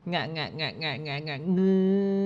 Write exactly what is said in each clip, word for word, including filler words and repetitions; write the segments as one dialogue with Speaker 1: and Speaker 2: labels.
Speaker 1: งะงะงะงะงะงะงื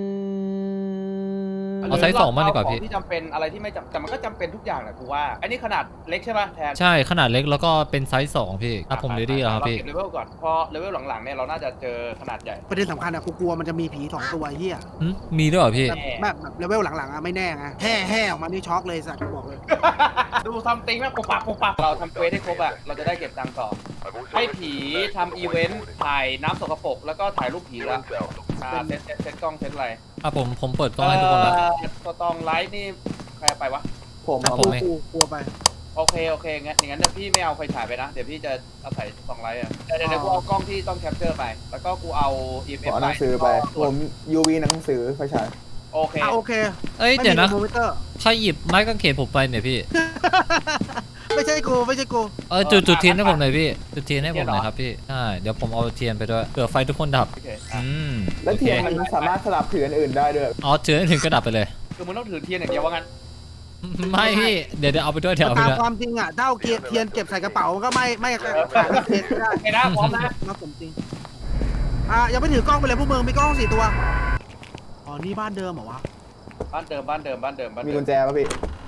Speaker 1: อ
Speaker 2: เอาไซส์สองมาดีกว่าพี่
Speaker 3: ที่จำเป็นอะไรที่ไม่จำแต่มันก็จำเป็นทุกอย่างแหละกูว่าอันนี้ขนาดเล็กใช่ป่ะแทน
Speaker 2: ใช่ขนาดเล็กแล้วก็เป็นไซส์สองพี่อ่ะผมเรดี้แล้วครับพี่
Speaker 3: เราเก็บเลเวลก่อนพอเลเวลหลังๆเนี่ยเราน่าจะเจอขนาดใหญ่
Speaker 4: ประเด็นสำคัญอะกูกลัวมันจะมีผีสองตัวเฮีย
Speaker 2: หึมีด้วยเหรอพี่
Speaker 4: แบบแบบเลเวลหลังๆอะไม่แน่ไงแห่แห่ออกมานี่ช็อกเลยสัตว์บอกเลย
Speaker 3: ดูทำติงแม่งปุบปับปุบปับเราทำเควสให้ครบอะเราจะได้เก็บตังค์ต่อให้ผีทำอีเวนต์ถ่ายน้ำสกปรกแล้วก็ถ่ายรูปผีละอ่าเซตเซตเซตกล้องเซตอะไร
Speaker 2: อ่ะผมผมเปิดกล้องให้ทุกคนแล้ว
Speaker 3: สตองไลท์นี่ใครไปวะ
Speaker 5: ผม
Speaker 2: อ่ะ
Speaker 5: เอา
Speaker 2: ผมเอง
Speaker 4: กูกลัวไป
Speaker 3: โอเคโอเคงั้นอย่างนั้นเดี๋ยวพี่ไม่เอาไฟฉายไปนะเดี๋ยวพี่จะอาศัยสองไลท์อะเดี๋ยวเดี๋ยวเดี๋ยวกูเอากล้องที่ต้องแคปเจอร์ไปแล้วก็กูเอา อี เอ็ม
Speaker 5: ผ
Speaker 3: เอฟ
Speaker 5: มเอา
Speaker 3: ไป
Speaker 5: หนังสือไป ผม ยู วี หนังสือไฟฉาย
Speaker 3: โอเค
Speaker 4: อ่ะโอเค
Speaker 2: เอ้ย
Speaker 4: ไม่
Speaker 2: เดี๋ยว
Speaker 4: มี
Speaker 2: นะ
Speaker 4: โมมิเตอร์
Speaker 2: ใครหยิบไม้กางเขนผมไปเนี่ยพี่
Speaker 4: ไม่ใช่กูไม่ใช่กู
Speaker 2: เออจุดจุดเทียนให้ผมหน่อยพี่จุดเทียนให้ผมหน่อยครับพี่ใช่เดี๋ยวผมเอาเทียนไปด้วยเผื่อไฟทุกคนดับ
Speaker 3: โอเค
Speaker 2: อืม
Speaker 5: และ
Speaker 2: โอเค
Speaker 5: เทียนมันสามารถสลับถืออันอื่นได้ด้วย
Speaker 2: อ๋อถือให้ถึงก็ดับไปเลย
Speaker 3: คือมึงต้องถือเทียนอย่างเดียวว่างั้น
Speaker 2: ไม่พี่เดี๋ยวเดี๋ยวเอาไปด้วยเดี๋ยวเอาไป
Speaker 4: ตาม
Speaker 2: ด้วย
Speaker 4: ความจริงอะถ้าเอาเกียร์เทียนเก็บใส่กระเป๋ามันก็ไม่ไม่ขาดเทียนไม่ได้
Speaker 3: โอเคนะพร้อมนะ
Speaker 4: นะผมจริงอ่ะยังไม่ถือกล้องไปเลยพวกมึงมีกล้องสี่ตัวอ๋อนี่บ้านเดิมเหรอวะ
Speaker 3: บ้านเดิมบ้านเดิมบ้านเดิมบ้าน
Speaker 5: มี
Speaker 3: เดิ
Speaker 5: กุ
Speaker 3: ม
Speaker 5: ญแจป่ะพี่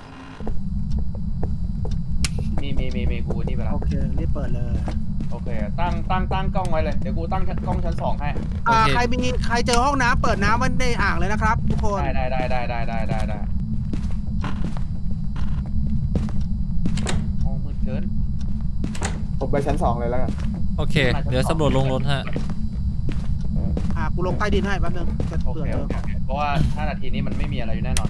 Speaker 3: มีมีมีมีกูนี่ไปแล้ว
Speaker 4: โอเครีบเปิดเลย
Speaker 3: โอเคตั้งตั้งตั้งกล้องไว้เลยเดี๋ยวกูตั้งกล้องชั้นสองให้
Speaker 4: อ่า
Speaker 2: โอเค
Speaker 4: ใครมีใครเจอห้องน้ำเปิดน้ำไว้ในอ่างเลยนะครับทุกคน
Speaker 3: ได้ได้ได้ได้ได้ได้ได้ได้ห้องมืดเกิน
Speaker 5: ผมไปชั้นสองเลยแล้วกัน
Speaker 2: โอเค เดี๋ยวสำรวจลงรถฮะ
Speaker 4: อ่ากูลงใต้ดินให้แป๊บนึงจะ
Speaker 3: โอ
Speaker 4: เผื่อ
Speaker 3: เค
Speaker 4: เจ
Speaker 3: โอ
Speaker 4: อ
Speaker 3: เคโอเคเพราะว่าห้านาทีนี้มันไม่มีอะไรอยู่แน่นอน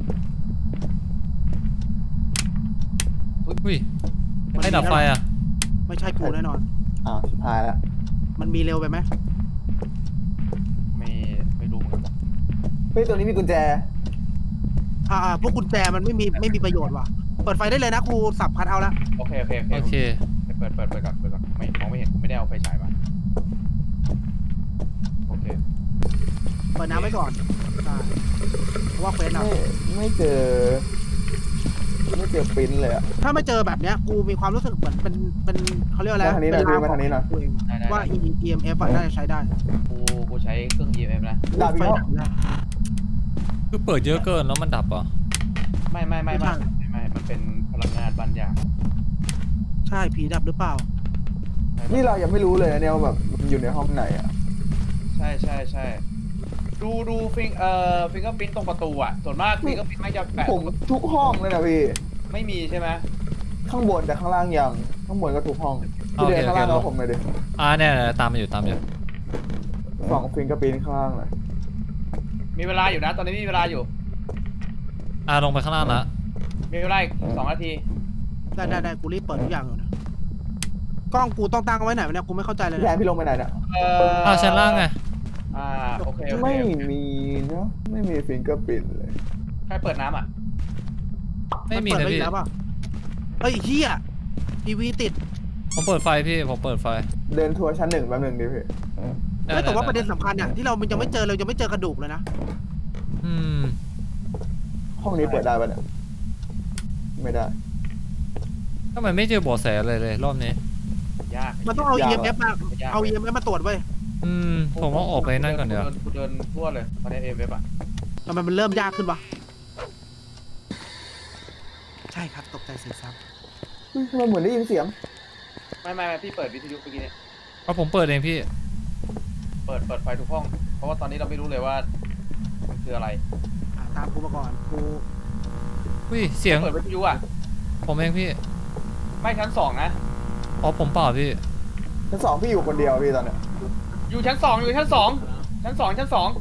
Speaker 2: อุ้ยให้ดับไฟอ่ะ
Speaker 4: ไม่ใช่กูแน่นอน
Speaker 5: อ้าวชิบหายแล้ว
Speaker 4: มันมีเร็วไปไหม
Speaker 3: ไม่ไม่รู้เหมือนกัน
Speaker 5: เฮ้ยตัวนี้มีกุญแจ
Speaker 4: อ่าอ่าพวกกุญแจมันไม่มีไม่มีประโยชน์ว่ะเปิดไฟได้เลยนะกูสับคัทเอาละ
Speaker 3: โอเคโอเค
Speaker 2: โอเค
Speaker 3: เปิดเปิดเปิดก่อนเปิดก่อนไม่มองไม่เห็นกูไม่ได้เอาไฟฉายมาโอเค
Speaker 4: เปิดน้ำไว้ก่อนได้เพราะว่าเควสเรา
Speaker 5: ไม่ไม่เจอ ไม่เจอปริ้นเลยอะ
Speaker 4: ถ้าไม่เจอแบบเนี้ยกูมีความรู้สึกเหมือนเป็นเป็นเขาเรียกว่าอะไร
Speaker 5: มาทางนี้หน่อย
Speaker 4: เป็
Speaker 5: พี่มาทางนี้หน่อย
Speaker 4: กูเอง
Speaker 3: ได้ได้
Speaker 4: ว่า
Speaker 3: ได้
Speaker 4: อี เอ็ม เอฟ อะน่าจะใช้ได้
Speaker 3: กูกูใช้เครื่อง อี เอ็ม เอฟ นะ
Speaker 5: ดาบอีก
Speaker 4: ไฟ
Speaker 5: แล้ว
Speaker 4: ดับได้
Speaker 2: คือเปิดเยอะเกินแล้วมันดับเหรอ
Speaker 3: ไม่ไม่ไม่ไม่ไม่ไม่มันเป็นพลังงานบางอย่าง
Speaker 4: ใช่ผีดับหรือเปล่า
Speaker 5: นี่เรายังไม่รู้เลยนะเนี่ยว่าแบบมันอยู่ในห้องไหนอะ
Speaker 3: ใช่ใช่ใช่ดูดูฟิงเอ่อฟิงเกอร์พิ้นตรงประตูอ่ะส่วนมากฟิงเกอร์พิ้นไม่จะแปะ
Speaker 5: ผมทุกห้องเลยนะพี่
Speaker 3: ไม่มีใช่ไหม
Speaker 5: ข้างบนแต่ข้างล่างยัง ข้างบนก็ทุกห้อง
Speaker 2: โอ
Speaker 5: พี่
Speaker 2: เค
Speaker 5: เดินข้างล่าง
Speaker 2: โอเค
Speaker 5: แล้วผมเลยดิ
Speaker 2: อ่าเนี่ยเนี่ยตามมาอยู่ตามอยู่
Speaker 5: สองฟิงกระปิ้นข้างล่างเลย
Speaker 3: มีเวลาอยู่นะ ตอนนี้มีเวลาอยู่
Speaker 2: อ่าลงไปข้างล่างละ
Speaker 3: มีเวลาอีกสองนาที
Speaker 4: ได้ได้ได้กูรีบเปิดทุกอย่างอยู่นะกล้องกูต้องตั้งเอาไว้ไหนวะเนี่ยกูไม่เข้าใจเลย
Speaker 5: พี่แทน
Speaker 4: นะ
Speaker 5: พี่ลงไปไหนเนี่ย
Speaker 3: เอ่อ
Speaker 2: อ้าวชั้นล่างไง
Speaker 3: อ่าโอเคโอเค
Speaker 5: ไม่มีเนาะไม่มีฟิงเกอร์ปิ้นเลย
Speaker 3: ใครเปิดน้ำอ่ะ
Speaker 2: ไม่มี
Speaker 4: เปิด
Speaker 2: นะ
Speaker 4: ไว้อี
Speaker 2: พี่
Speaker 4: กแล้วป่ะเฮ้ยเฮียทีวีติด
Speaker 2: ผมเปิดไฟพี่ผมเปิดไฟ
Speaker 5: เดินทัวร์ชั้นหนึ่งแป๊บหนึงดิพี่
Speaker 2: ได้
Speaker 4: ไม่แต่ว่าประเด็น
Speaker 2: ได้
Speaker 4: สำคัญเนี่ยที่เรามันยังไม่เจอเรายังไม่เจอกระดูกเลยนะ
Speaker 2: อืม
Speaker 5: ห้องนี้เปิดได้ปะเนี่ยไม่ได้
Speaker 2: ทำไมไม่เจอเบาะแสเลยเลยรอบนี้
Speaker 3: ยาก
Speaker 4: มันต้องเอา
Speaker 5: ยาก
Speaker 4: อี เอ็ม เอฟ มา
Speaker 3: ยาก
Speaker 4: เอา อี เอ็ม เอฟ มาตรวจเว้ย
Speaker 2: อืมผมว่าออกไปนั่นก่อนเดี๋ยว
Speaker 3: กูเดินทั่วเลยตอนนี้เอฟเอฟอ่ะ
Speaker 4: ทำไมมันเริ่มยากขึ้นวะใช่ครับตกใจเสียซับ
Speaker 5: เฮ้ยทำไมเหมือนได้ยินเสียง
Speaker 3: ไม่ไม่ไม่พี่เปิดวิทยุเมื่อกี้เนี่ย
Speaker 2: เอาผมเปิดเองพี่
Speaker 3: เปิดเปิดไฟทุกห้อง เพราะว่าตอนนี้เราไม่รู้เลยว่ามันคืออะไร
Speaker 4: อ่ะตามกูมาก่อนกู
Speaker 2: อุ้ยเสียง
Speaker 3: เปิดวิทยุอ่ะ
Speaker 2: ผมเองพี่
Speaker 3: ไม่ชั้นสองนะ
Speaker 2: อ๋อผมเปล่าพี่
Speaker 5: ชั้นสองพี่อยู่คนเดียวพี่ตอนเนี้ย
Speaker 3: อยู่ชั้นสองอยู่ชั้นสองชั้นสองชั้นสอง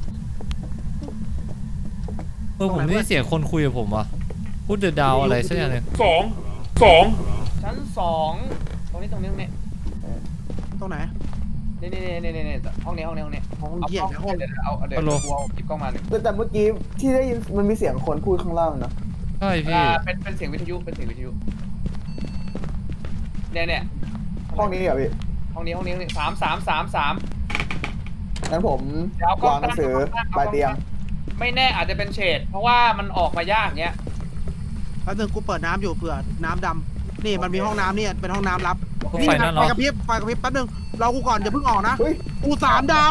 Speaker 2: เออผมได้ยินเสียงคนคุยกับผมว่ะพูดเดอะดาวอะไรสักอย่างหนึง
Speaker 3: สองสองชั้นสองตรงนี้ตรงนี้ตรงนี้
Speaker 4: ตรงไหน
Speaker 3: นี่นี่นี่นี่นี่ห้องนี้ห้องนี้ห้องนี้
Speaker 4: ห้อง
Speaker 3: เอา
Speaker 4: เหี้ย
Speaker 3: ห้อง
Speaker 4: เดี๋ยวห้อง
Speaker 3: เดี๋ยวเอาเอาเดี๋ยวกูเอาหยิบกล้องมาหนึ่ง
Speaker 5: แต่แต่เมื่อกี้ที่ได้ยินมันมีเสียงคนพูดข้างล่างนะ
Speaker 2: ใช่พี่
Speaker 3: อ่าเป็นเป็นเสียงวิทยุเป็นเสียงวิทยุเนี่ยเนี่ย
Speaker 5: ห้องนี้เหรอพี่
Speaker 3: ห้องนี้ห้องนี้ห้องนี้สามสามสามสาม
Speaker 5: งั้นผม
Speaker 3: เดี๋ยวเอากล้อง
Speaker 5: วางหนังสือ
Speaker 3: ตั้งเอากล้อง
Speaker 5: ปลายเตียง
Speaker 3: ไม่แน่อาจจะเป็นเฉดเพราะว่ามันออกมายากเงี้ย
Speaker 4: แป๊บนึงกูเปิดน้ำอยู่เผื่อน้ำดำนี่มันมีห้องน้ำเนี่ยเป็นห้องน้ำลับ
Speaker 2: ไฟนั่น
Speaker 4: ไฟ
Speaker 2: เนาะ
Speaker 4: กระพริบไฟกระพริบแป๊บนึงรอกูก่อนอย่าเพิ่งออกนะ
Speaker 5: เฮ้ย
Speaker 4: กูสามดาว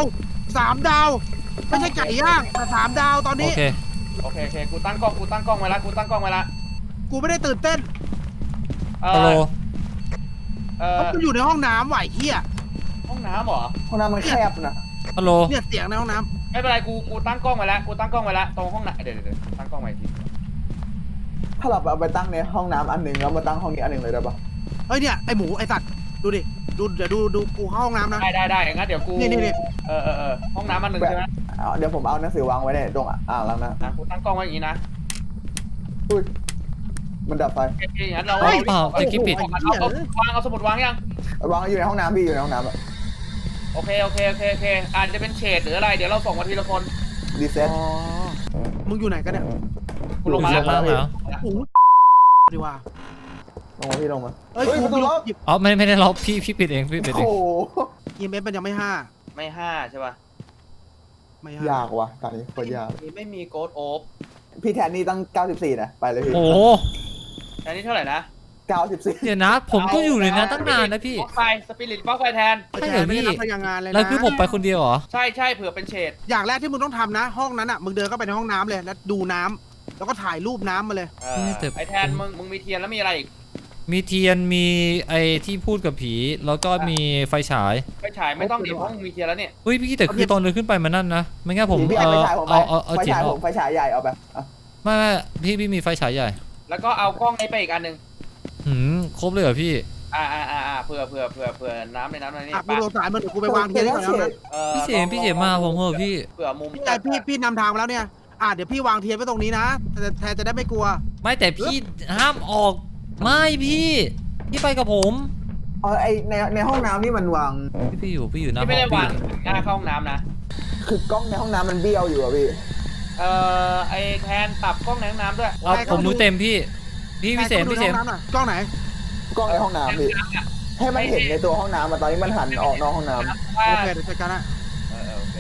Speaker 4: สามดาวไม่ใช่ไก่ย่างแต่สามดาวตอน
Speaker 2: โอ
Speaker 4: นี้
Speaker 2: เค
Speaker 3: โอเคโอเคกูตั้งกล้องกูตั้งกล้องไว้ละกูตั้งกล้องไว้ละ
Speaker 4: กูไม่ได้ตื่นเต้น
Speaker 3: เอ
Speaker 2: ฮัลโหล
Speaker 3: อเอ
Speaker 4: เพ
Speaker 3: อ
Speaker 4: ราะกูอยู่ในห้องน้ำไหวเฮีย
Speaker 3: ห้องน้ำเหรอ
Speaker 5: ห้องน้ำมันแคบนะ
Speaker 2: ฮัลโหล
Speaker 4: เนี่ยเสียงในห้องน้
Speaker 3: ไม่เป็นไรกูกูตั้งกล้องไว้แล้วกูตั้งกล้องไว้แล้วตรงห้องน้ำเดี๋ยวเดี๋ยวเดี๋ยวตั้งกล้องไว้อีกที
Speaker 5: ถ้าเราเอาไปตั้งในห้องน้ำอันหนึ่งแล้วมาตั้งห้องนี้อันหนึ่งเลยได้ปะ
Speaker 4: ำเฮ้ยเนี่ยไอหมูไอสัตว์ดูดิดูเดี๋ยวดูดูกูเข้าห้องน้ำนะ
Speaker 3: ได้ได้ได้งั้นเดี๋ยวกู
Speaker 4: นี่นี่นี่
Speaker 3: เออเออเออห้องน้ำมันหนึ่งใช่ไหม
Speaker 5: เอาเดี๋ยวผมเอาหนังสือวางไว้ในตรงอ่างล้างหน้า
Speaker 3: อ่ะกูตั้งกล้องไว้อย่างนี้นะ
Speaker 5: อุ้ยมันดับไฟ
Speaker 3: โอเคงั้นเรา
Speaker 2: เฮ้ยเปล่าตะกี้ปิด
Speaker 3: เอาเอาเอาวางเอาสมุดวางยัง
Speaker 5: วางอยู่ในห้องน้ำพี่อยู่ในห้องน้ำอะ
Speaker 3: โอเคโอเคโอเคโอเคอาจจะเป็นเฉดหรืออะไรเดี๋ยวเราส่งมาทีละคน
Speaker 5: รีเซ็ต
Speaker 4: อ๋อมึงอยู่ไหนกันเนี่ย
Speaker 3: กูลงมา
Speaker 2: ล
Speaker 3: แล้ว
Speaker 2: งล่างแล้ว
Speaker 4: โอ้โหดีว่า
Speaker 5: ลงมาพี่ลงมา
Speaker 4: เอ้ย
Speaker 5: เฮ้ย
Speaker 4: กู
Speaker 5: ประตูล็อก
Speaker 4: หยิบ
Speaker 2: อ๋อไม่ไม่ได้ล็อกพี่พี่ปิดเองพี่ปิดเอ
Speaker 5: โอ้
Speaker 2: ง
Speaker 5: โห
Speaker 4: อีเมลมันยังไม่ห้า
Speaker 3: ไม่ห้าใช่ป่ะ
Speaker 4: ไม่ห้าย
Speaker 5: ากว่ะตอนนี้โคตรยาก
Speaker 3: นี่ไม่มีโกดโอฟ
Speaker 5: พี่แทนนี่ตั้งเก้าสิบสี่นะไปเลยพี่
Speaker 2: โอ้โห
Speaker 3: อันนี้เท่าไหร่นะ
Speaker 5: เก้าสิบสี่
Speaker 2: เดี๋ยวนะ ผมก็อยู่ในนั้นตั้งนานนะพี่
Speaker 3: บล็อกไฟสปิริตบล็อกไฟแทน
Speaker 4: ไอแทนไม่ได้รับพลังงานเลยนะ
Speaker 2: แล้วคือผมไปคนเดียวเหรอ
Speaker 3: ใช่ใช่เผื่อเป็นเฉด
Speaker 4: อย่างแรกที่มึงต้องทำนะ ห้องนั้นอ่ะมึงเดินเข้าไปในห้องน้ำเลยแล้วดูน้ำแล้วก็ถ่ายรูปน้ำมาเลย
Speaker 3: เออ
Speaker 2: ไม่แต่
Speaker 3: ไอแทนมึงมึงมีเทียนแล้วมีอะไรอีก
Speaker 2: มีเทียนมีไอ้ที่พูดกับผี แล้วก็มีไฟฉาย
Speaker 3: ไฟฉายไม่ต้องดิเพราะมึงมีเทียนแล้วเนี่ย
Speaker 2: เฮ้ยพี่แต่คือตอนเดินขึ้นไปมันนั่นนะ ไม่งั้นผม
Speaker 5: พี่
Speaker 2: เอ
Speaker 5: เอาไฟ
Speaker 2: อ
Speaker 5: ฉายผมไป
Speaker 2: เอาเอาเอา
Speaker 5: ไฟ
Speaker 2: เจีย
Speaker 5: ฉาย
Speaker 2: อ
Speaker 5: ผ
Speaker 2: อก
Speaker 5: มไฟฉายใหญ่เอาไปอ่ะ
Speaker 2: ไม่ไม่พี่พี่มีไฟฉายใหญ่
Speaker 3: แล้วก็เอากล้องไอ้ไปอีกอันหนึ่ง
Speaker 2: หืมครบเลยเหรอพี่
Speaker 3: อ่าอ่าอ่าอ่าเผื่อเผื่อเผื่อเผื่อน้ำในน้ำในนี่
Speaker 4: อ่ะกูโดนสายมันเดี๋ยวกูไปวางเทียนให้ก่อนแล้วนะ
Speaker 3: เออ
Speaker 2: พี่เสมพี่เสมมาผมเหอะพี่
Speaker 3: เผื่อมุม
Speaker 4: พี่ไอพี่พี่นำทางมาแล้วเนี่ยอ่ะเดี๋ยวพี่วางเทียนไว้ตรงนี้นะแต่แทนจะได้ไม่กลัว
Speaker 2: ไม่แต่พี่ห้ามออก ไม่พี่ พี่ไปกับผม
Speaker 5: เออไอในในห้องน้ำนี่มันวาง
Speaker 2: พี่พี่อยู่พี่อยู่หน้า
Speaker 3: ที่
Speaker 2: ห้อง
Speaker 3: ไม่ได้วาง
Speaker 2: พี่
Speaker 3: หน้าเข้าห้องน้ำนะ
Speaker 5: คือกล้องในห้องน้ำมันเบี้ยวอยู่อะพี่
Speaker 3: เอ่อไอแทนปรับกล้องในห้องน้ำด้วย
Speaker 2: เอาผมรู้เต็มพี่ พี่พี่เสมพี่เสม
Speaker 4: ใครข้าไปดูในห้องน้ำหน่อยกล้องไหน
Speaker 5: กล้องในห้องน้ำพี่ให้มันเห็นในตัวห้องน้ำอะตอนนี้มันหันออกนอกห้องน้ำ
Speaker 3: ว่า
Speaker 4: โอเคเดี๋ยวจัดการนะ
Speaker 3: เออเออโอเค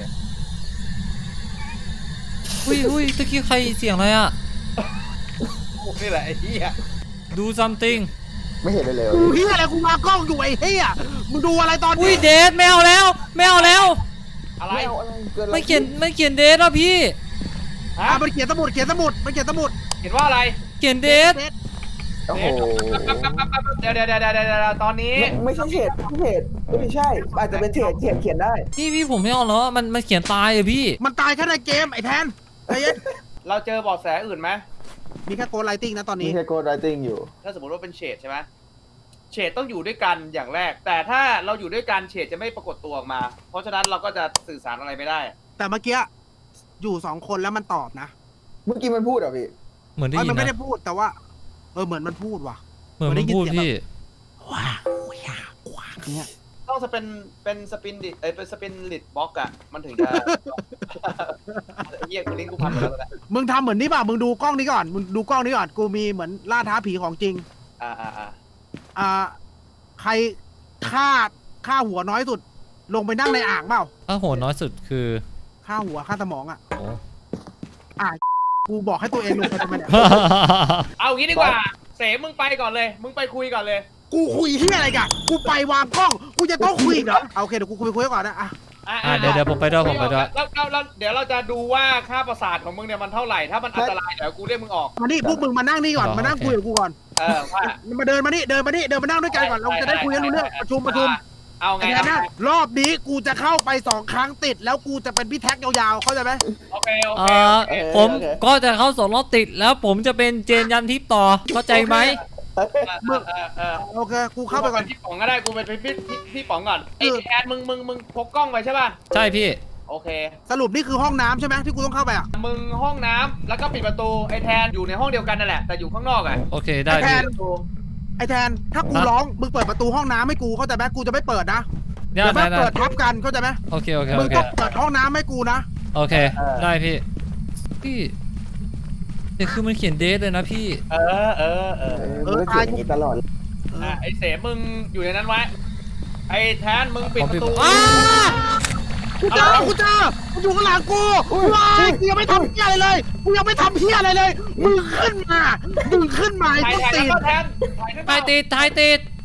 Speaker 2: อุ้ยอุ้ยตะกี้ใครเสียงอะไรอ่ะ
Speaker 3: นี่แหละไอ้เหี้ย
Speaker 2: ดู something
Speaker 5: ไม่เห็นเลยเลย
Speaker 4: กูเฮียอะไรกูวางกล้องอยู่ไอ้เฮียมึงดูอะไรตอน
Speaker 2: อุ้ย
Speaker 4: นี้
Speaker 2: เดทแมวแล้วแมวแล้ว
Speaker 3: อะไร
Speaker 5: ไม่เอาอะไรเกินอะไร
Speaker 2: ไม่เขียนไม่เขียนเดทอ่ะพี่
Speaker 3: ฮะ
Speaker 4: อ่ะมันเขียนสมุดเขียนสมุดมันเขียนสมุด
Speaker 3: เห็นว่าอะไร
Speaker 2: เขียนเดท
Speaker 5: โอ้โห
Speaker 3: เดี๋ยวเดี๋ยวเดี๋ยวเดี๋ยวเดี๋ยวตอนนี้
Speaker 5: ไม่ไม่ใช่เฉดไม่เฉดไม่ใช่อาจจะเป็นเฉดเขียนเขียนได้
Speaker 2: พี่พี่ผมไม่เอาแล้วอะมันมันเขียนตายอะพี่
Speaker 4: มันตายแค่ในเกมไอ้แทนไอ้เย็น
Speaker 3: เราเจอเบาะแสอื่นไหม
Speaker 4: มีแค่โกดไลติ้งนะตอน
Speaker 5: มี
Speaker 4: นี้
Speaker 5: แค่โกดไรติ้งอยู่
Speaker 3: ถ้าสมมติว่าเป็นเฉดใช่ไหมเฉดต้องอยู่ด้วยกันอย่างแรก แต่ถ้าเราอยู่ด้วยกันเฉดจะไม่ปรากฏตัวออกมา เพราะฉะนั้นเราก็จะสื่อสารอะไรไม่ได้
Speaker 4: แต่เมื่อกี้อยู่สองคนแล้วมันตอบนะ
Speaker 5: เมื่อกี้มันพูดเหรอพี่
Speaker 2: เหมือนได้
Speaker 4: เอ้ย
Speaker 2: ยิ
Speaker 4: มัน
Speaker 2: น
Speaker 4: ไม่
Speaker 2: นะ
Speaker 4: ได้พูดแต่ว่าเออเหมือนมันพูดว่ะ
Speaker 2: เหมือนมันพูดพี่
Speaker 4: ว้าวว้าวว้าวเนี่ย
Speaker 3: ต้องจะเป็นเป็นสปินดิเอ้ยเป็นสปินลิดบล็อกอะมันถึงจะ เฮียกูลิงก์กูพันหมดแล้วแหละ
Speaker 4: มึงทำเหมือนนี่ป่ะมึงดูกล้องนี้ก่อนมึงดูกล้องนี้ก่อนกูมีเหมือนล่าท้าผีของจริง
Speaker 3: อ่าอ่าอ่า
Speaker 4: อ่าใครฆ่าฆ่าหัวน้อยสุด ลงไปนั่งในอ่างเปล่า
Speaker 2: ถ้าโหดน้อยสุดคือ
Speaker 4: ฆ่าหัวฆ่าสมองอ่ะ
Speaker 2: โอ้
Speaker 4: อ่ะกูบอกให้ตัวเองลงไปทำไมเนี่ย
Speaker 3: เอางี้ดีกว่า เสมึงไปก่อนเลย มึงไปคุยก่อนเลย
Speaker 4: กูคุยที่อะไรกันกูไปวางกล้องกูจะต้องคุยอีกเหรอเอาโอเคเดี๋ยวกูคุยคุยก่อนนะอ่ะ
Speaker 3: อ่ะ
Speaker 2: อ่ะเดี๋ยวเดี๋ยวผมไปด้วยผมไปด้วย
Speaker 3: แล้วแล้วแล้วเดี๋ยวเราจะดูว่าค่าประสาทของมึงเนี่ยมันเท่าไหร่ ถ้ามันอันตรายเดี๋ยวกูเรียกมึงออก
Speaker 4: มานี่พวกมึงมานั่งนี่ก่อน
Speaker 2: อ๋อ
Speaker 4: มานั่ง
Speaker 2: โอเค
Speaker 4: คุยกับกูก่อน
Speaker 3: เออว่า
Speaker 4: มาเดินมานี่เดินมานี่เดินมานั่งด้วยกันก่อนเราจะได้คุยกันรู้เรื่องประชุมประชุม
Speaker 3: เอาไง
Speaker 4: ไอ้แทนนะรอบนี้กูจะเข้าไปสองครั้งติด แล้วกูจะเป็นพี่แท็กยาวๆเข้าใจไหม
Speaker 3: โอเคโอ
Speaker 2: เอ
Speaker 3: เค
Speaker 2: อ
Speaker 3: โอเค
Speaker 2: ผมก็จะเข้าสองรอบติดแล้วผมจะเป็นเจนยันทิพย์ต่อเข้าใจไหม
Speaker 3: เออเออเออเออ
Speaker 4: โอเคกูเข้าไปก่อน
Speaker 3: พี่ป๋องก็ได้กูเป็นพี่พี่พี่พี่ป๋องก่อนไอ้
Speaker 4: เออ
Speaker 3: แทนมึงมึงมึงพกกล้องไปใช่ป่ะ
Speaker 2: ใช่พี่
Speaker 3: โอเค
Speaker 4: สรุปนี่คือห้องน้ำใช่ไหมที่กูต้องเข้าไปอ่ะ
Speaker 3: มึงห้องน้ำแล้วก็ปิดประตูไอ้แทนอยู่ในห้องเดียวกันนั่นแหละแต่อยู่ข้างนอกอ่ะ
Speaker 2: โอเคได้
Speaker 4: ไอ้แท
Speaker 2: พี่
Speaker 4: นไอ้แทนถ้ากูร้องมึงเปิดประตูห้องน้ำให้กูเข้าใจไหมกูจะไม่เปิดนะ
Speaker 2: ได้
Speaker 4: เดี๋ยว
Speaker 2: ได้
Speaker 4: มา
Speaker 2: ได้
Speaker 4: เปิดทับกันเข้าใจไหม
Speaker 2: โอเคโอเค
Speaker 4: มึ
Speaker 2: โอง เค
Speaker 4: ต้องเปิดห้องน้ำให้กูนะ
Speaker 2: โอเคได้พี่พี่เดี๋ยวคือมันเขียนเดทเลยนะพี่
Speaker 3: เออเออเอ
Speaker 5: เอ
Speaker 3: อ
Speaker 5: อมันก็เขียนอย่างนี้ตลอด
Speaker 3: อ่ะไอ้เสมึงอยู่ในนั้นไว้ไอ้แทนมึงปิดประตู
Speaker 2: อ้า
Speaker 4: กูเจอกูเจอกูอยู่ข้างหลังกูว้ายกูยังไม่ทำเพี้ยอะไรเลยกูยังไม่ทำเพี้ยอะไรเลยมึงขึ้นมามึงขึ้นมาไอ้
Speaker 3: ถ่าย
Speaker 4: ต้น
Speaker 3: ถ่าย
Speaker 4: ตีน
Speaker 3: แล้วก็แทนถ่ายขึ้น
Speaker 2: ถ่ายติดถ่ายติด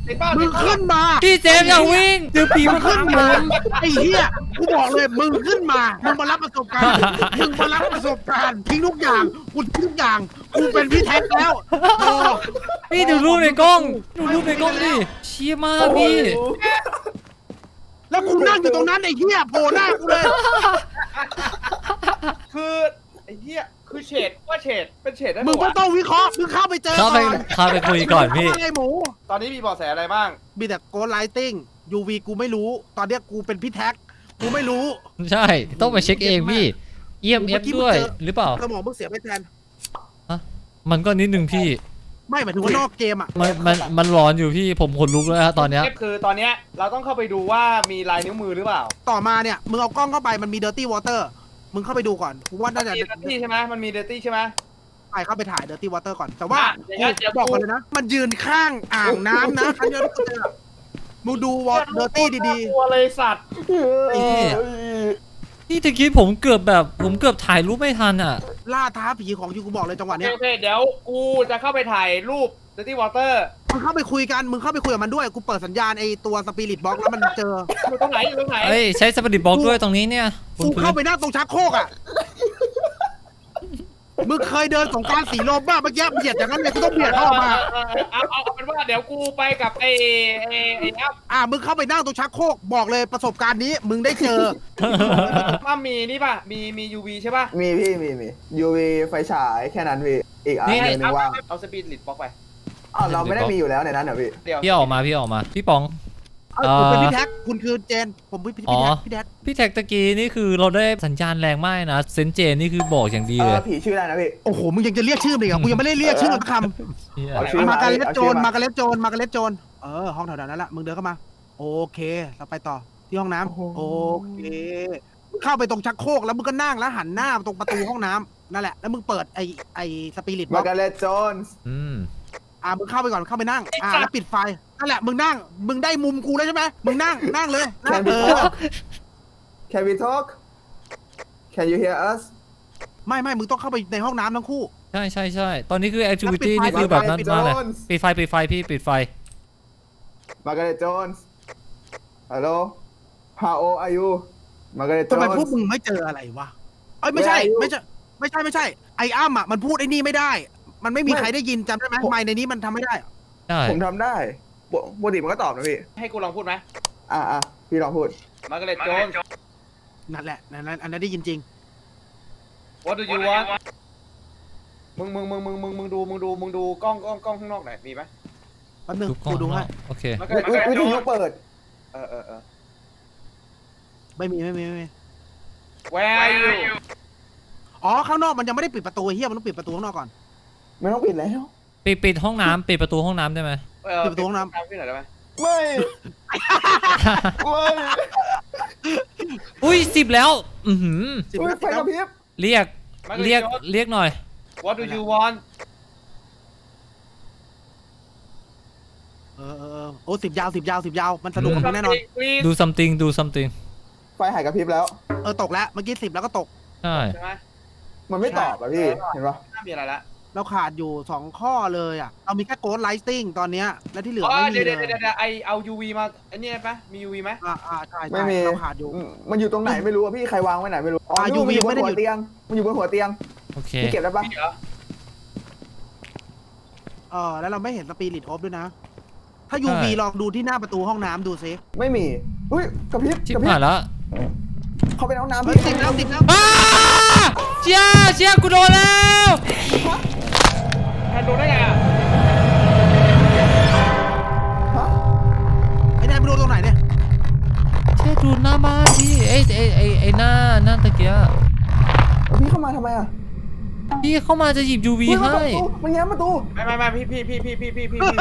Speaker 3: ติดเป้า
Speaker 4: มึ
Speaker 3: ติ
Speaker 4: ง
Speaker 3: ดเป้า
Speaker 4: ขึ้นมา
Speaker 2: พี่เจมส์อย่าวิ่งเดี๋ยวผี
Speaker 4: มึ
Speaker 2: มาง
Speaker 4: ขึ้น
Speaker 2: ตาม
Speaker 4: มา
Speaker 2: ผม
Speaker 4: ไอ้เหี้ยกูบอกเลยมึงขึ้นมามึงมารับประสบการณ์มึงมารับประสบการณ์ทิ้งทุกอย่างกูทิ้งทุกอย่างกูเป็นพี่แท็กแล้วโอ้
Speaker 2: พี่ดูรูปในกล้องดูรูปในกล้องดิเชี่ยมากพี่
Speaker 4: แล้วกูนั่งอยู่ตรงนั้นไอ้เหี้ยโผล่หน้ากูเลย
Speaker 3: คือไอ้เหี้ยคือเฉดว่าเฉดเป็นเฉดได้
Speaker 4: มึง
Speaker 3: ปะ
Speaker 4: ก็
Speaker 3: วะ
Speaker 4: ต้องวิเคราะห์มึงเข้าไปเจอ
Speaker 2: เข้าไป
Speaker 4: ก่อน
Speaker 2: เข้าไปคุยก่อนพี่
Speaker 4: ว่าไงหมู
Speaker 3: ตอนนี้มีเบาะแสอะไรบ้าง
Speaker 4: มีแต่โกลไลติ้ง ยู วี กูไม่รู้ ตอนเนี้ยกูเป็นพี่แท็ก กูไม่รู้
Speaker 2: ใช่ต้องไปเช็คเองพี่ เอี เอ็ม เอฟ ด้วยหรือเปล่า
Speaker 4: สมองมึงเสียไปแทน
Speaker 2: มันก็นิดนึงพี่
Speaker 4: ไม่หมายถึงว่านอกเกมอ่ะ
Speaker 2: มันมันมันร้อนอยู่พี่ผมขนลุกแล้วฮะตอนเนี้ย
Speaker 3: คือตอนเนี้ยเราต้องเข้าไปดูว่ามีลายนิ้วมือหรือเปล่า
Speaker 4: ต่อมาเนี่ย มึงเอากล้องเข้าไปมันมี Dirty Water มึงเข้าไปดูก่อน กูว่าน่าจะ
Speaker 3: มีเดอร์ตี้ใช่ไหมมันมีเดอร์ตี้ใช่ไหม
Speaker 4: ไปเข้าไปถ่าย Dirty Water ก่อน แต่ว่า
Speaker 3: อ่ะเดี๋ยวเดี๋ยว
Speaker 4: บอกก่อนเลยนะ มันยืนข้างอ่างน้ำนะครั้งเดียวที่กูเจอมึงดูวอ Dirty ดี
Speaker 3: กลัวเลยสัตว์
Speaker 4: ๆไอ้เหี้ย
Speaker 2: นี่ตะกี้ผมเกือบแบบผมเกือบถ่ายรูปไม่ทันอ่ะ
Speaker 4: ล่าท้าผีของจริงกูบอกเลยจังหวะ
Speaker 3: โอเค
Speaker 4: เนี้ย
Speaker 3: โอเคเดี๋ยวกูจะเข้าไปถ่ายรูปเดอร์ตี้วอเตอร์
Speaker 4: มึงเข้าไปคุยกัน มึงเข้าไปคุยกับมันด้วย กูเปิดสัญญาณไอ้ตัวสปิริตบ็อกแล้วมันเจอ
Speaker 3: อยู่ตรงไหนอยู่ตรงไหน
Speaker 2: เอ้ยใช้สปริตบ็อกด้วยตรงนี้เนี่ยบน
Speaker 4: กู
Speaker 2: พื้
Speaker 4: เข้าน ไปนั่งตรงชักโครกอ่ะ มึงเคยเดินสงกรารสีลมบ้าเมื่อกี้เบียดอย่างนั้นเลยกูต้องเบียดเข้ามา
Speaker 3: เออเออเอาเอาเอาเป็นว่าเดี๋ยวกูไปกับไอ้ไอ้ไอ้อัพ
Speaker 4: อ่ะมึงเข้าไปนั่งตรงชักโครกบอกเลยประสบการณ์นี้ มึงได้เจอ
Speaker 3: ว่ามีนี่ป่ะมีมี ยู วี ใช่ป่ะ
Speaker 5: มีพี่มีมี ยู วี ไฟฉายแค่นั้นพี่ อีกอัน
Speaker 2: นี่
Speaker 5: หนึง
Speaker 3: เอา
Speaker 5: ว่าง
Speaker 3: เอาสปีดลิดบล็อกไป
Speaker 5: อ้าวเราไม่ได้มีอยู่แล้วในนั้นเหรอพี่
Speaker 3: เดี๋ยว
Speaker 2: พี่ออกมาพี่ออกมาพี่ป๋อง
Speaker 4: เออผมเป็นพี่แท็ก คุณคือเจน ผมเป็นพี่
Speaker 2: อ๋อ
Speaker 4: พี่แท็กพี่แท็ก
Speaker 2: พี่แท็กตะกี้นี่คือเราได้สัญญาณแรงมากนะเซนเจนนี่คือบอกอย่างดี
Speaker 5: เอ
Speaker 2: เล
Speaker 5: อย ผีชื่ออะไรนะพี่
Speaker 4: โอ้โห มึงยังจะเรียกชื่อมันอีกเหรอกูยังไม่ได้เรียกชื่อมันสักค
Speaker 2: เหี้ย
Speaker 5: เอาชื่อ
Speaker 4: ำมาการเล็ด
Speaker 5: เอา
Speaker 4: โจ
Speaker 5: ชื่อ
Speaker 4: ร
Speaker 5: มา
Speaker 4: มาการเล็ดโจรมาการเล็ดโจร เออ ห้องแถวๆนั้นแหละ มึงเดินเข้ามา โอเค เราไปต่อ ที่ห้องน้ำโอเคมึงเข้าไปตรงชักโครกแล้วมึงก็นั่งแล้วหันหน้าตรงประตูห้องน้ำนั่นแหละ แล้วมึงเปิดไอไอสปิริตบ็
Speaker 5: มา
Speaker 4: อก
Speaker 5: การ์เล็ตโจนส์
Speaker 2: อืม
Speaker 4: อ่ามึงเข้าไปก่อน เข้าไปนั่ง อ่า แล้วปิดไฟ นั่นแหละ มึงนั่ง มึงได้มุมกูแล้วใช่ไหมมึงนั่ง นั่งเลย
Speaker 5: แคน
Speaker 4: เอ
Speaker 5: บีท
Speaker 4: อ
Speaker 5: อ Can we talk Can you hear us
Speaker 4: ไม่ไม่มึงต้องเข้าไปในห้องน้ำทั้งคู่
Speaker 2: ใช่ใช่ใช่ตอนนี้คือแอคทิวิตี้
Speaker 4: ปิดไฟ
Speaker 2: นี่คือแบบนั้น
Speaker 5: ปิดไฟ
Speaker 2: มากเลย
Speaker 5: ปิดไฟ
Speaker 2: ปิดไฟปิดไฟพี่ปิดไฟ
Speaker 5: มาการ์เล็ตโจนส์ Hello How old are you มาการ์เล็ตโจ
Speaker 4: ทำไม
Speaker 5: น
Speaker 4: พวก
Speaker 5: ส์
Speaker 4: มึงไม่เจออะไรวะ เอ้ยไม่ใช่
Speaker 5: Where are you?
Speaker 4: ไม่ใช่ ไม่ใช่ไม่ใช่ ไอ้อ้ำอ่ะมันพูดไอ้นี่ไม่ได้ มันไม่มีใครได้ยินจำได้ไหมไมค์ในนี้มันทำไม่ได้อะ
Speaker 2: ใช่
Speaker 5: ผมทำได้ปกปกติมันก็ตอบนะพี่
Speaker 3: ให้กูลองพูดไหม
Speaker 5: อ่ะอ่ะพี่ลองพูด
Speaker 3: มาร์กาเร็ตโจน
Speaker 4: นั่นแหละนั่นนั่นอันนั้นได้ยินจริง
Speaker 3: What do you want มึงมึงมึงมึงมึงมึงดูมึงดูมึงดูกล้องกล้องกล้องข้างนอกหน่อยมีไหม
Speaker 4: แป๊บนึง
Speaker 2: ทุกกล้อ
Speaker 4: กู
Speaker 2: ง
Speaker 4: ดูให้
Speaker 2: โอเค
Speaker 3: มาร์กา
Speaker 5: วิ
Speaker 3: เร็ต
Speaker 5: วิวิทยุเปิด
Speaker 3: เออเออเออ
Speaker 4: ไม่มีไม่มีไม่มี
Speaker 3: Where are you
Speaker 4: อ๋อข้างนอกมันยังไม่ได้ปิดประตูไอ้เฮียมันต้องปิดประตูข้างนอกก่อน
Speaker 5: ไม่ต้องปิดแล้ว
Speaker 2: ปิดปิดห้องน้ำปิดประตูห้องน้ำได้ไหม
Speaker 3: เออ
Speaker 4: ปิดประตูห้องน้ำ
Speaker 3: ตามพี่หน่อยได้ไหม
Speaker 5: ไม่ไม่
Speaker 2: อุ้ยสิบแล้ว อือหือ
Speaker 4: สิบ
Speaker 5: อุ๊ย
Speaker 4: นา
Speaker 5: ไฟ
Speaker 4: ที
Speaker 5: กระพริบ
Speaker 2: เรียกเรียกเรียกหน่อย
Speaker 3: What do you want
Speaker 4: เออเออเออโอ้สิบยาวสิบยาวสิบยาวมันสนุกกับมึงแน่นอน
Speaker 3: Please
Speaker 2: ดู something ดู something
Speaker 5: ไฟหายกระพริบแล้ว
Speaker 4: เออตกแล้วเมื่อกี้สิบแล้วก็ตก
Speaker 2: ใช่
Speaker 3: ใช่ไหม
Speaker 5: มันไม่ตอบอ่ะพี่ เห็นปะ
Speaker 3: ไม่น่ามีอะไรละ
Speaker 4: เราขาดอยู่สองข้อเลยอ่ะเรามีแค่โกดไลท์ติ้งตอนเนี้ยและที่เหลือ
Speaker 3: อ๋อ
Speaker 4: ไม่มี
Speaker 3: เดี๋ยว
Speaker 4: เล
Speaker 3: เดี๋ยวย เดี๋ยวไอเอา ยู วี มาไอ้นี่ไหมมี ยู วี ไหม
Speaker 4: อ่าอ่าใช่
Speaker 5: ไม่
Speaker 4: ใช่
Speaker 5: มี
Speaker 4: เราขาดอยู่
Speaker 5: อืมมันอยู่ตรงไหนไม่รู้อ่ะพี่ ใครวางไว้ไหนไม่รู้ อ๋อ
Speaker 4: อ่ะ
Speaker 5: นู่นมันอยู่บ
Speaker 4: ยู
Speaker 5: น
Speaker 4: วี
Speaker 5: หัว
Speaker 4: ไม่ได้อยู่
Speaker 5: เตียง มันอยู่บนหัวเตียง
Speaker 2: โอเค
Speaker 5: พี่เก็บได้ปะ
Speaker 3: มีเหรอ
Speaker 4: เออแล้วเราไม่เห็นสปิริตออฟด้วยนะ ถ้า ยู วี ลองดูที่หน้าประตูห้องน้ำดูซิ
Speaker 5: ไม่มีอุ้ยกระพริบ
Speaker 2: ชิบ
Speaker 5: กระพริบ
Speaker 2: หายแล้ว
Speaker 5: เขาไปในห้องน้ำ
Speaker 4: เฮ้ย
Speaker 5: พี่
Speaker 4: สิบแล้วสิบแล้ว
Speaker 2: อ้าเชียเชียกูโดนแล้ว
Speaker 3: แทนดูได้ไงอ่ะ
Speaker 5: ฮะ
Speaker 4: ไอ้แดนไปดูตรงไหนเนี่ย
Speaker 2: เชียดูหน้าบ้านพี่ไอ้ไอ้ไอ้ไอ้หน้าหน้าตะเกียะ
Speaker 5: แล้วพี่เข้ามาทำไมอ่ะ
Speaker 2: พี่เข้ามาจะหยิบ ยู วี
Speaker 5: เฮ้ยมัน
Speaker 2: ให้
Speaker 5: เปิดประตูมันแง้มประตู
Speaker 3: ไม่ไม่ไม่พี่พี่พี่พี่พี่พี่พี่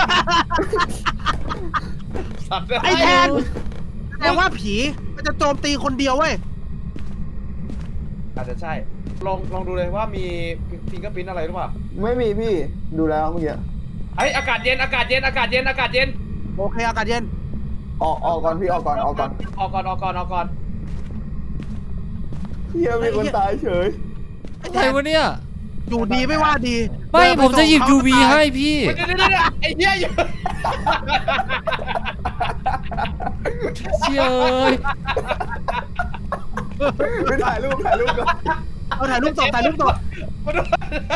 Speaker 3: สัตว์
Speaker 4: ไอ้แทนแสดงว่าผีมันจะโจมตีคนเดียวเว้ย
Speaker 3: อาจจะใช่ ลองลองดูเลยว่ามีฟิงเกอร์พิ้นอะไรหรือเปล่า
Speaker 5: ไม่มีพี่ ดูแล้วเมื่อกี้
Speaker 3: ไอยอากาศเย็นอากาศเย็นอากาศเย็นอากาศเย็น
Speaker 4: โอเคอากาศเย็น
Speaker 5: ออกออกก่อนพี่ออกก่อนออกก่อน
Speaker 3: ออกก่อนออกก่อนออกก่อน
Speaker 5: เฮียมีคนตายเฉย
Speaker 4: ไอ้
Speaker 2: อะ
Speaker 4: แท
Speaker 2: ไร
Speaker 4: น
Speaker 2: วะเนี่ย
Speaker 4: อยู่ดีไม่ว่าดี
Speaker 2: ไม่
Speaker 4: เดินป
Speaker 2: ผมจะหยิบ
Speaker 4: ส่ง
Speaker 2: ยู
Speaker 4: เขา
Speaker 2: วี
Speaker 4: ก็ตาย
Speaker 2: ให้พี่
Speaker 3: เดี๋ยวเดี๋ยวเดี๋ยวไอ้เหี้ยอยู่
Speaker 2: เชี่ยเอ้ย
Speaker 5: ไปถ่ายรูปถ่ายรูปก่อน
Speaker 4: เอาถ่ายรูปตบถ่ายรูปตบ
Speaker 3: มาดู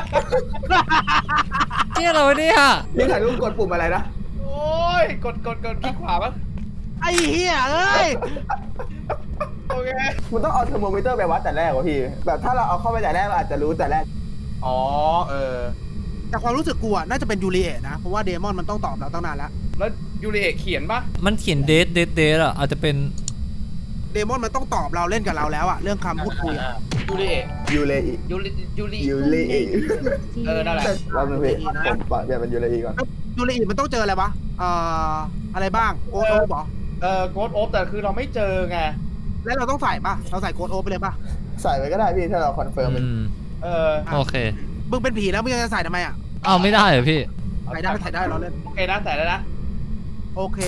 Speaker 2: เชี่ยเราเนี่ย
Speaker 5: นี่ถ่ายรูปกดปุ่มอะไรนะ
Speaker 3: โอ้ยกดกดกดคลิกขวาปะ
Speaker 4: ไอ้เหี้ยเอ้ย
Speaker 3: โอเค
Speaker 5: มันต้องเอาเทอร์โมมิเตอร์ไปวัดแต่แรกวะพี่ แบบถ้าเราเอาเข้าไปแต่แรกเราอาจจะรู้แต่แรก
Speaker 3: อ๋อเออ
Speaker 4: แต่ความรู้สึกกูอะน่าจะเป็นยูริเอะนะ เพราะว่าเดมอนมันต้องตอบเราตั้งนานแล้ว
Speaker 3: แล้วยูริเอะเขียนปะ
Speaker 2: มันเขียนเดทเดทเดทอ่ะอาจจะเป็น
Speaker 4: เดมอนมันต้องตอบเราเล่นกับเราแล้วอะเรื่องคำพูดคุยอะ
Speaker 3: ยูริเอะ
Speaker 5: ยูเลอี
Speaker 3: ยูริยูริ
Speaker 5: ยูเลอี
Speaker 3: เออนั่นแหละ
Speaker 5: เราเป็นพี่ผมปะเปลี่ยนเป็นยูเลอีก่อน
Speaker 4: ยูริมันต้องเจออะไรวะเอ่ออะไรบ้างโกดโอ๊บเหรอ
Speaker 3: เออโกดโอฟแต่คือเราไม่เจอไง
Speaker 4: แล้วเราต้องใส่ปะเราใส่โกดโอ๊บไปเลยปะ
Speaker 5: ใส่ไปก็ได้พี่ถ้าเราคอนเฟิร์มมัน
Speaker 2: อืม
Speaker 3: เออ
Speaker 2: โอเค
Speaker 4: มึงเป็นผีแล้วมึงยังจะใส่ทำไมอะ
Speaker 2: เอาไม่ได้เหรอพี่
Speaker 4: ใส่ได้ไม่ใส่ได้เราเล่น
Speaker 3: โอเคนะใส่แล้วนะ
Speaker 4: โอเค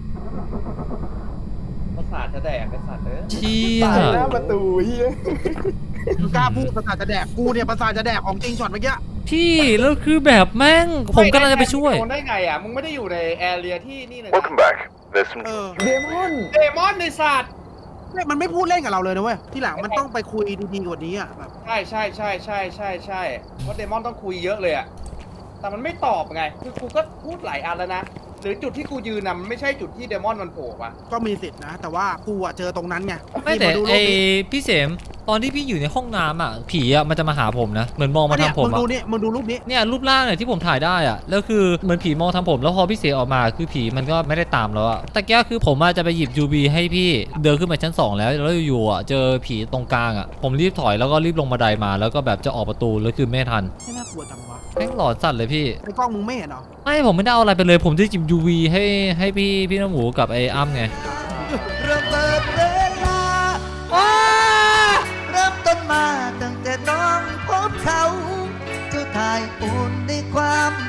Speaker 3: ประสาทจะแดกไอ้สัตว์เอ้ย
Speaker 2: เชี่ย
Speaker 5: ตายหน้าประตูเฮีย
Speaker 4: มึงกล้าพูดประสาทจะแดกกูเนี่ยประสาทจะแดกของจริงช็อตเมื่อกี้
Speaker 2: พี่แล้วคือแบบแม่งผมกำลังจะไปช่วย
Speaker 3: โดนได้ไงอ่ะมึงไม่ได้อยู่ในแอเรียที่นี่เลยนะ
Speaker 6: Welcome back. There's some
Speaker 4: เออ
Speaker 5: เดมอน
Speaker 3: เดมอนในสัตว์
Speaker 4: เนี่ยมันไม่พูดเล่นกับเราเลยนะเว้ยที่หลังมันต้องไปคุยดีๆกว่านี้อ่ะแบบ
Speaker 3: ใช่ใช่ใช่ใช่ใช่ใช่เพราะเดมอนต้องคุยเยอะเลยอ่ะแต่มันไม่ตอบไงคือกูก็พูดหลายอันแล้วนะหรือจุดที่กูยืนน่ะมันไม่ใช่จุดที่เดมอนมันโผล่ปะ
Speaker 4: ก็มีสิทธินะ แต่ว่ากูอะเจอตรงนั้นไง
Speaker 2: ไม่แต่
Speaker 4: นี่าดูรู
Speaker 2: ไอ
Speaker 4: ปนี้
Speaker 2: พี่เสมตอนที่พี่อยู่ในห้องน้ำอ่ะผีอ่ะมันจะมาหาผมนะเหมือนมองมา
Speaker 4: เนี่ย
Speaker 2: ทางผม
Speaker 4: มึง
Speaker 2: อ่ะ
Speaker 4: ดูนี่มึงดูรูปนี้
Speaker 2: เนี่ยรูปร่างเนี่ยที่ผมถ่ายได้อ่ะแล้วคือเหมือนผีมองทางผมแล้วพอพี่เสออกมาคือผีมันก็ไม่ได้ตามแล้วอ่ะแต่แก้คือผมอาจจะไปหยิบยูบีให้พี่เดินขึ้นมาชั้นสองแล้วแล้วอยู่ๆอ่ะเจอผีตรงกลางอ่ะผมรีบถอยแล้วก็รีบลงบันไดมาแล้วก็แบบจะออกประตูแล้วคือไม่ทัน
Speaker 4: ไม่น่ากลัวจังวะ
Speaker 2: แม่งหลอนสัตว์เลยพี่
Speaker 4: ในกล้องมึงไม่เห็นเหรอ
Speaker 2: ไม่ผมไม่ได้เอาอะไรไปเลย ผมจะจิบ ยู วี ให้ให้พี่พี่น้ำหมูกับไอ้อ้ำไง
Speaker 7: เริ่มเปิดเวลาว้าเริ่มต้นมาตั้งแต่น้องพบเขาเจ้าทายอุ่นในความ